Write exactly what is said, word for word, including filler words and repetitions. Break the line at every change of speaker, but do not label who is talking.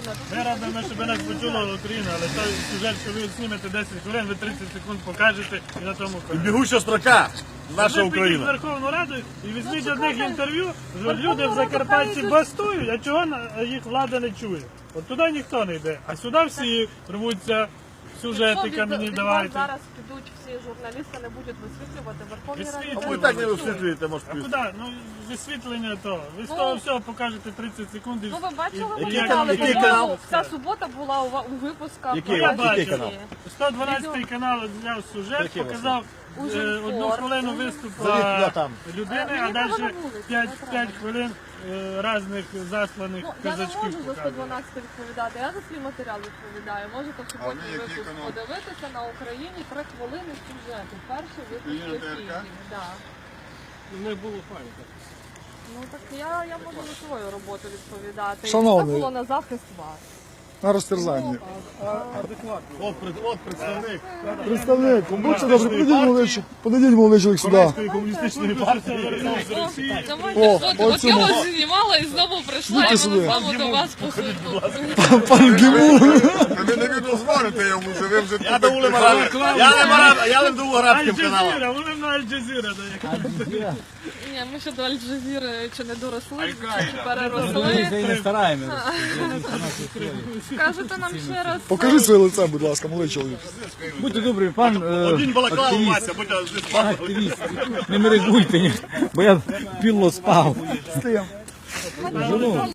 Ми радимо, щоб нас почула Україна, але той сюжет, що ви знімете десять хвилин, ви тридцять секунд покажете і на тому
І бігуча строка. Наша
ви підіть в
Україна.
Верховну Раду і візьміть одних інтерв'ю, що люди в Закарпатті бастують, а чого на- їх влада не чує. От туди ніхто не йде, а сюди всі рвуться, сюжети камені давайте.
Зараз підуть всі журналісти, не будуть висвітлювати Верховній Раді.
Висвітлювати.
А ви так не висвітлюєте, може,
А куди? Ну, висвітлення то. Ви з
Ну,
того всього покажете тридцять секунд. і-
Ну ви бачили
і- і
матеріали,
як-
який
по-моєму,
канал?
Ця субота була у, ва- у випусках.
Який?
Я
Бачите?
Який
бачив.
канал?
сто дванадцятий канал зняв сюжет,
Який
показав е,
Ужин
одну
спорт.
хвилину виступу
Завіть я там.
людини,
Мені
а
треба
далі
на вулицю, не
п'ять
треба.
хвилин е, різних засланих
Ну, я не
казачків
можу за сто
показує.
дванадцять відповідати, я за свій матеріал відповідаю. Можете в суботній
який
випуск
канал?
подивитися на Україні три хвилини сюжету. Перший випуск
Україна
ефірів.
ТРК?
Да.
Не було файно.
Ну так я, я можу за свою роботу відповідати.
Шановний.
Це було на захист вас.
На розтерзання.
От, пред- от представник
Представник, будьте добре, подійдіть молодий, чоловік- подійдіть молодий чоловік сюди.
Комуністичної комуністичної партії.
О,
От,
от
от я
цьому.
вас знімала і знову прийшла,
Йдіть
і
сюди.
мене знову до вас посуду.
Пан Гімун.
Та ви не відозвоните йому вже, ви вже
Я до Улема Араб- Я не араб, я не до арабським каналом.
Аль-Джазіра, вони на Аль-Джазіра дає.
Ні, ми ще до Аль-Джазіри чи не доросли, чи переросли.
не стараємося.
Скажете нам ще раз.
Покажіть своє лице, будь ласка, молодий чоловік.
Будьте добрі, пан е,
Один балаклава
активіст,
Вася, будь ласка.
активіст, не мерегуйте, бо я піло спав.
З тим.